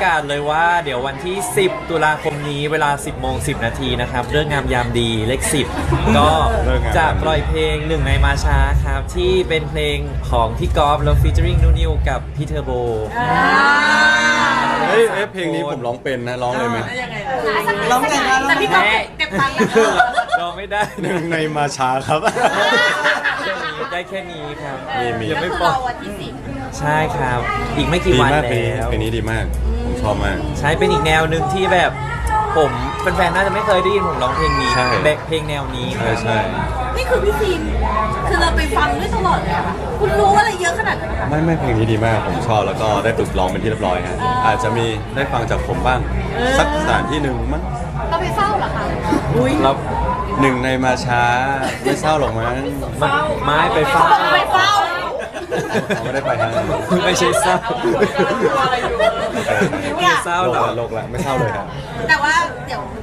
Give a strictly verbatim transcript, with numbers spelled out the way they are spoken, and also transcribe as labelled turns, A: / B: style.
A: าศเลยว่าเดี๋ยววันที่สิบตุลาคมนี้เวลา สิบโมงสิบนาทีนะครับเรื่องงามยามดีเลขสิบก็จะปล่อยเพลงหนึ่งในมาช้าครับที่เป็นเพลงของพี่กอล์ฟแล้วฟีเจอริงนูนิวกับพี่เทอร์โบ
B: เฮ้ยเอ้ยเพลงนี้ผมร้องเป็นนะร้องเลยไหม
C: ร้องไงคะ
D: แต่พี่ก็เก็บตังค์นะคะ
A: ร้องไม่ได้
B: หนึ่งในมาช้าครับ
A: แค่นี้ได้แค่นี้ครับ
B: มีมี
A: ยัง
D: ก็
A: ไม่
D: คือ
A: ปล่อ
D: เรา
A: ย
D: วันที่สิบ
A: ใช่ครับ อีกไม่กี่
B: ดี
A: วัน
B: มากเพลงนี้
A: แล้ว
B: เพลงนี้ดีมาก ผมชอบมาก
A: ใช้เป็นอีกแนวหนึ่งที่แบบผมแฟนๆน่าจะไม่เคยได้ยินผมร้องเพลงนี้
B: ใช่
A: แบบเพลงแนวนี้
B: ใช่ใช่
D: นี่คือพี่ฟิล์มคือเราไปฟังด้วยตลอดเลยอะค่ะคุณรู้อะไรเยอะขนาดนั้นนะคะ
B: ไม่ไม่เพลงนี้ดีมากผมชอบแล้วก็ได้ฝึกร้องเป็นที่เรียบร้อยฮะอาจจะมีได้ฟังจากผมบ้าง สักสถานที่หนึ่งมั้ง
D: เราไปเฝ้าเหรอคะ
A: เรา
B: หนึ่งในมาช้าไม่เศร้าหรอกมั้ง
A: มันไม้ไปเฝ้า
D: ไปเฝ้า
B: เขาไม่ได้ไปฮะ
A: ไม่ใช่เศร้า
D: เนี่ย
A: เศร้า
B: โล
A: หร
B: ก
A: อ
B: ละโลกละไม่เศร้าเลยครับ
D: แต่ว่าเดี๋ยว